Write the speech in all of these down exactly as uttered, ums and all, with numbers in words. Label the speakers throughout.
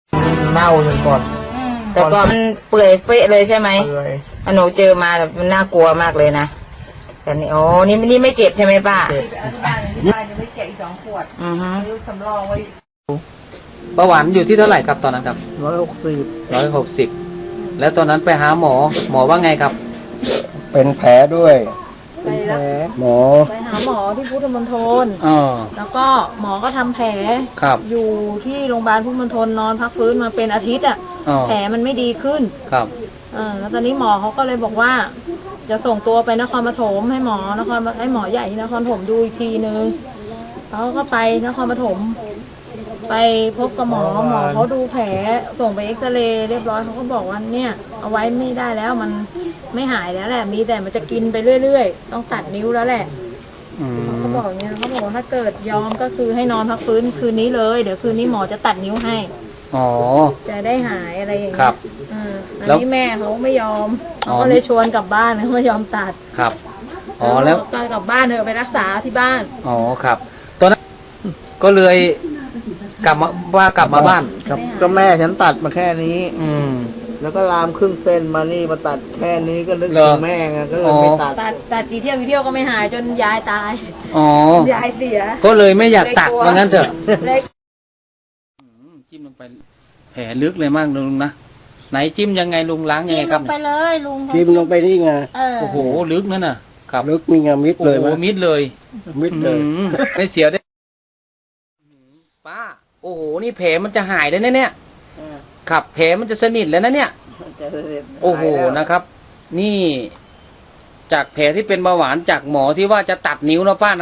Speaker 1: เน่าจนก่อน
Speaker 2: แต่ก่อนมันเปื่อยเฟะเลยใช่ไหม
Speaker 1: เปื่อย
Speaker 2: หนูเจอมาแบบมันน่ากลัวมากเลยนะแต่นี่โอ้นี่นี่ไม่เจ็บใช่ไหมป้า
Speaker 1: เจ็บ
Speaker 3: บ้านที่บ้านยังไม่แกะอีกสองขวด
Speaker 2: อือฮึ
Speaker 3: ซื้อสำรองไว้
Speaker 4: เบาหวานอยู่ที่เท่าไหร่ครับตอนนั้นครับ
Speaker 1: ร้อยหกสิบ
Speaker 4: ร้อยหกสิบแล้วตอนนั้นไปหาหมอหมอว่าไงครับ
Speaker 1: เป็นแผลด้วย
Speaker 3: ไปแล้ว
Speaker 1: หมอ
Speaker 3: ไปหาหมอที่พุทธมณฑล
Speaker 4: อ๋อ
Speaker 3: แล้วก็หมอก็ทำแผล
Speaker 4: ครับ
Speaker 3: อยู่ที่โรงพยาบาลพุทธมณฑลนอนพักฟื้นมาเป็นอาทิตย์อ่ะแผลมันไม่ดีขึ้น
Speaker 4: ครับ
Speaker 3: อ่าแล้วตอนนี้หมอเขาก็เลยบอกว่า จะส่งตัวไปนครปฐมให้หมอนครให้หมอใหญ่ที่นครปฐมดูอีกทีนึงเขาก็ไปนครปฐมไปพบกับหมอหมอเขาดูแผลส่งไปเอ็กซเรย์เรียบร้อยเขาก็บอกว่าเนี่ยเอาไว้ไม่ได้แล้วมันไม่หายแล้วแหละมีแต่มันจะกินไปเรื่อยๆต้องตัดนิ้วแล้วแหละเขาบอกอย่างเงี้ยเขาบอกว่าถ้าเกิดยอมก็คือให้นอนพักฟื้นคืนนี้เลยเดี๋ยวคืนนี้หมอจะตัดนิ้วให้
Speaker 4: อ๋อ
Speaker 3: จะได้หายอะไรอย่างเงี้ย
Speaker 4: ครับ
Speaker 3: อ่าอันนี้แม่เขาไม่ยอมเขาก็เลยชวนกลับบ้านเขาไม่ยอมตัด
Speaker 4: ครับอ๋อแล้ว
Speaker 3: ตอนกลับบ้านเธอไปรักษาที่บ้าน
Speaker 4: อ๋อครับตอนนั้นก็เลยกลับมาว่ากลับมาบ้าน
Speaker 1: ครับก็แม่ฉันตัดมาแค่นี้
Speaker 4: อืม
Speaker 1: แล้วก็ลามครึ่งเส้นมานี่มาตัดแค่นี้ก็นึกถึงแม่ไงก็เลยไม่ตัด
Speaker 3: ตัดตัดกี่เที่ยวกี่เที่ยวก็ไม่หายจนยายตาย
Speaker 4: อ๋อย
Speaker 3: ายเสีย
Speaker 4: ก็เลยไม่อยากตัดว่างั้นเถอะจิ้มลงไปแผลลึกเลยมากลุงนะไหนจิ้มยังไงลุงล้างยังไงครับ
Speaker 3: จิ้มลงไปเลยลุง
Speaker 1: จิ้มลงไปนี่ไง
Speaker 4: โอ้โหลึกนั่นน่ะครับ
Speaker 1: ลึกมีไงมิดเลย
Speaker 4: โอ้มิดเลย
Speaker 1: มิดเลย
Speaker 4: ไม่เสียวได้ป้าโอ้โหนี่แผลมันจะหายได้เนี่ยครับแผลมันจะสนิทแล้วนะเนี่ยโอ้โหนะครับนี่จากแผลที่เป็นเบาหวานจากหมอที่ว่าจะตัดนิ้วนะป้า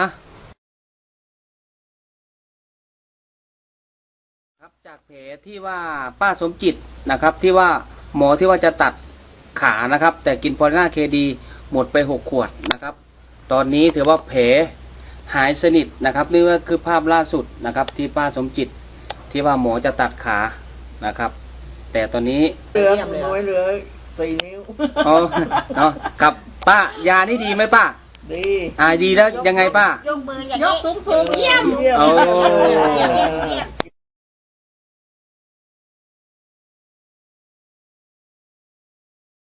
Speaker 4: นะครับจากแผลที่ว่าป้าสมจิตนะครับที่ว่าหมอที่ว่าจะตัดขานะครับแต่กินพอลิน่าเคดีหมดไปหกขวดนะครับตอนนี้ถือว่าแผลหายสนิทนะครับนี่ก็คือภาพล่าสุดนะครับที่ป้าสมจิตที่ว่าหมอจะตัดขานะครับแต่ตอนนี้
Speaker 1: เหลือน้อยเหลือสี่นิ้ว
Speaker 4: อ๋อเนาะครับป้ายานี่ดีไหมป้า
Speaker 1: ดี
Speaker 4: อ่าดีแล้วยังไงป้าย
Speaker 3: กมืออย่างนี้ยกสูงสูงเยี่ยม
Speaker 4: โอ้